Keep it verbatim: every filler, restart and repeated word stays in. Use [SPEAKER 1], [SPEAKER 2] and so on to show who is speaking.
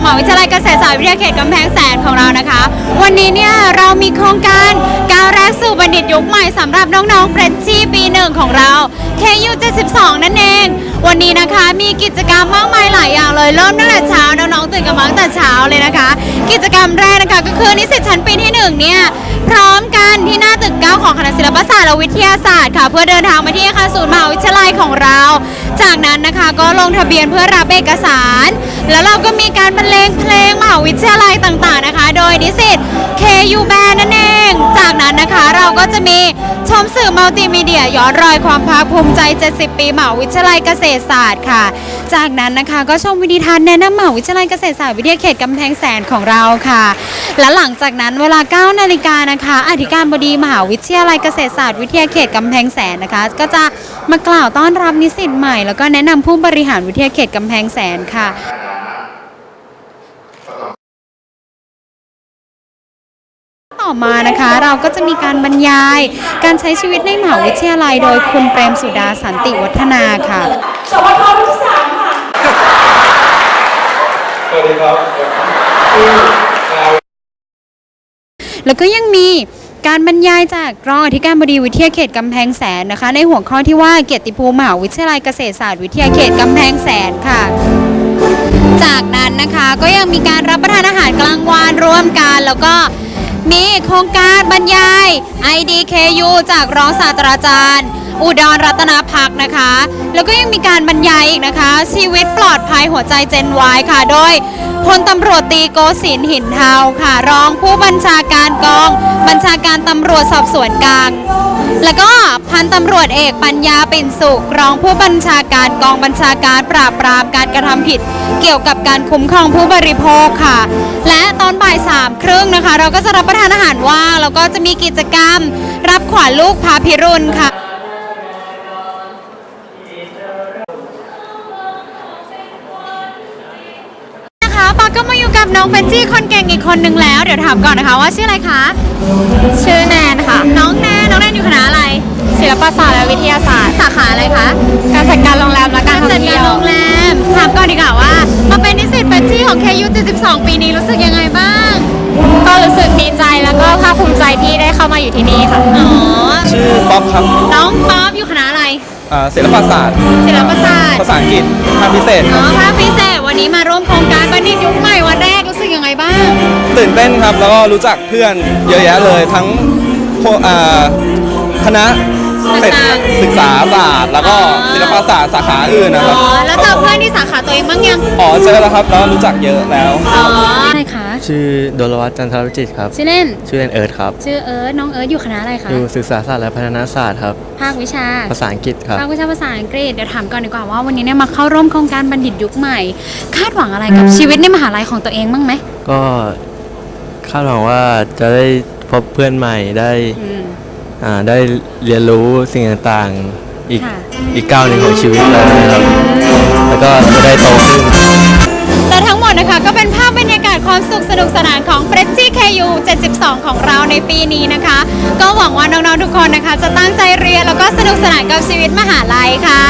[SPEAKER 1] หาวิทยาลัยเกษตรศาสตร์วิทยาเขตกำแพงแสนของเรานะคะวันนี้เนี่ยเรามีโครงการก้าวแรกสู่บัณฑิตยุคใหม่สำหรับน้องๆเฟรชชี่ปีหนึ่งของเรา เค ยู เจ็ดสิบสอง นั่นเองวันนี้นะคะมีกิจกรรมมากมายหลายอย่างเลยเริ่มตั้งแต่เช้าน้องๆตื่นกันมาตั้งแต่เช้าเลยนะคะกิจกรรมแรกนะคะก็คือนิสิตชั้นปีที่หนึ่งเนี่ยพร้อมกันที่หน้าตึกเก้าของคณะศิลปศาสตร์และวิทยาศาสตร์ค่ะเพื่อเดินทางมาที่อาคารศูนย์มหาวิทยาลัยของเราจากนั้นนะคะก็ลงทะเบียนเพื่อรับเอกสารแล้วเราก็มีการบรรเลงเพลงมหาวิทยาลัยต่างๆนะคะโดยนิสิต เค ยู Band นั่นเองจากนั้นนะคะเราก็จะมีชมสื่อมัลติมีเดียย้อนรอยความภาคภูมิใจเจ็ดสิบปีมหาวิทยาลัยเกษตรศาสตร์ค่ะจากนั้นนะคะก็ชมวิดีทัศน์แนะนำมหาวิทยาลัยเกษตรศาสตร์วิทยาเขตกำแพงแสนของเราค่ะและหลังจากนั้นเวลา เก้านาฬิกานะคะอธิการบดีมหาวิทยาลัยเกษตรศาสตร์วิทยาเขตกำแพงแสนนะคะก็จะมากล่าวต้อนรับนิสิตใหม่แล้วก็แนะนำผู้บริหารวิทยาเขตกำแพงแสนค่ะต่อมานะคะเราก็จะมีการบรรยายการใช้ชีวิตในมหาวิทยาลัยโดยคุณเปรมสุดาสันติวัฒนาค่ะ
[SPEAKER 2] สวทรุ่นที่สามค่ะ
[SPEAKER 3] สวัสดีครับ
[SPEAKER 1] แล้วก็ยังมีการบรรยายจากรองอธิการบดีวิทยาเขตกำแพงแสนนะคะในหัวข้อที่ว่าเกียรติภูมิมหาวิทยาลัยเกษตรศาสตร์วิทยาเขตกำแพงแสนค่ะจากนั้นนะคะก็ยังมีการรับประทานอาหารกลางวันร่วมกันแล้วก็มีโครงการบรรยาย ไอ ดี เค ยู จากรองศาสตราจารย์อุดรรัตนภักดิ์นะคะแล้วก็ยังมีการบรรยายอีกนะคะชีวิตปลอดภัยหัวใจเจน วาย ค่ะโดยพลตำรวจตีโกศินทร์หินเทาค่ะรองผู้บัญชาการกองบัญชาการตำรวจสอบสวนกลางแล้วก็พันตำรวจเอกปัญญาปิ่นสุขรองผู้บัญชาการกองบัญชาการปราบปรามการกระทำผิดเกี่ยวกับการคุ้มครองผู้บริโภคค่ะและตอนบ่ายสามครึ่งนะคะเราก็จะรับประทานอาหารว่างแล้วก็จะมีกิจกรรมรับขวัญลูกพาพิรุณค่ะปาก็มาอยู่กับน้องเฟนจี้คนเก่งอีกคนนึงแล้วเดี๋ยวถามก่อนนะคะว่าชื่ออะไรคะ
[SPEAKER 2] ชื่อแนนค่ะ
[SPEAKER 1] น้องแนนน้องแนนอยู่คณะอะไร
[SPEAKER 2] ศิลปศาสตร์และวิทยาศาสตร์
[SPEAKER 1] สาขาอะไรคะ
[SPEAKER 2] การจัดการโรงแรมและการท่องเที่ยว
[SPEAKER 1] โรงแรมถามก่อนดีกว่าว่ามาเป็นนิสิตเฟนจี้ของ เค ยู เจ็ดสิบสอง ปีนี้รู้สึกยังไงบ้าง
[SPEAKER 2] ก็รู้สึกดีใจแล้วก็ภาคภูมิใจที่ได้เข้ามาอยู่ที่นี่ค่ะ
[SPEAKER 1] อ๋อ
[SPEAKER 3] ชื่อป๊อปครับ
[SPEAKER 1] น้องป๊อปอยู่คณะอะไร
[SPEAKER 3] ศิลปศาสตร์
[SPEAKER 1] ศิลปศาสตร์
[SPEAKER 3] ภาษาอังกฤษภาคพิเศษ
[SPEAKER 1] อ๋อภาคพิเศษวันนี้มาร่วมโครงการบัณฑิตยุคใหม่วันแรกรู้สึกยังไงบ้าง
[SPEAKER 3] ตื่นเต้นครับแล้วก็รู้จักเพื่อนเยอะแยะเลยทั้งคณะศึกษาศาสตร์แล้วก็ศิลปศาสตร์สาขาอื่นนะครับ
[SPEAKER 1] อ๋อแล้วเจอเพื่อนที่สาขาตัวเองบ้างยัง
[SPEAKER 3] อ๋อเจอแล้วครับแล้วรู้จักเยอะแล้ว
[SPEAKER 1] อ๋ออะไรคะ
[SPEAKER 4] ชื่อโดลวัฒน์จันทรวิจิตรครับ
[SPEAKER 1] ชื่อเล่น
[SPEAKER 4] ชื่อเล่นเอิร์ธครับ
[SPEAKER 1] ชื่อเอิร์ธน้องเอิร์ธอยู่คณะอะไรคะ
[SPEAKER 4] อยู่ศึกษาศาสตร์และพัฒนาศาสตร์ครับ
[SPEAKER 1] ภาควิชา
[SPEAKER 4] ภาษาอังกฤษครับ
[SPEAKER 1] ภาควิชาภาษาอังกฤษเดี๋ยวถามก่อนดีกว่าว่าวันนี้เนี่ยมาเข้าร่วมโครงการบัณฑิตยุคใหม่คาดหวังอะไรกับชีวิตในมหาลัยของตัวเองบ้างไหม
[SPEAKER 4] ก็คาดหวังว่าจะได้พบเพื่อนใหม่ได้อ่าได้เรียนรู้สิ่งต่างๆอีกอีกก้าวหนึ่งของชีวิตเลยนะครับแล้วก็จะได้โตขึ้น
[SPEAKER 1] และทั้งหมดนะคะก็เป็นภาพบรรยากาศความสุขสนุกสนานของ เฟรชชี่ เค ยู เจ็ดสิบสอง ของเราในปีนี้นะคะก็หวังว่าน้องๆทุกคนนะคะจะตั้งใจเรียนแล้วก็สนุกสนานกับชีวิตมหาลัยค่ะ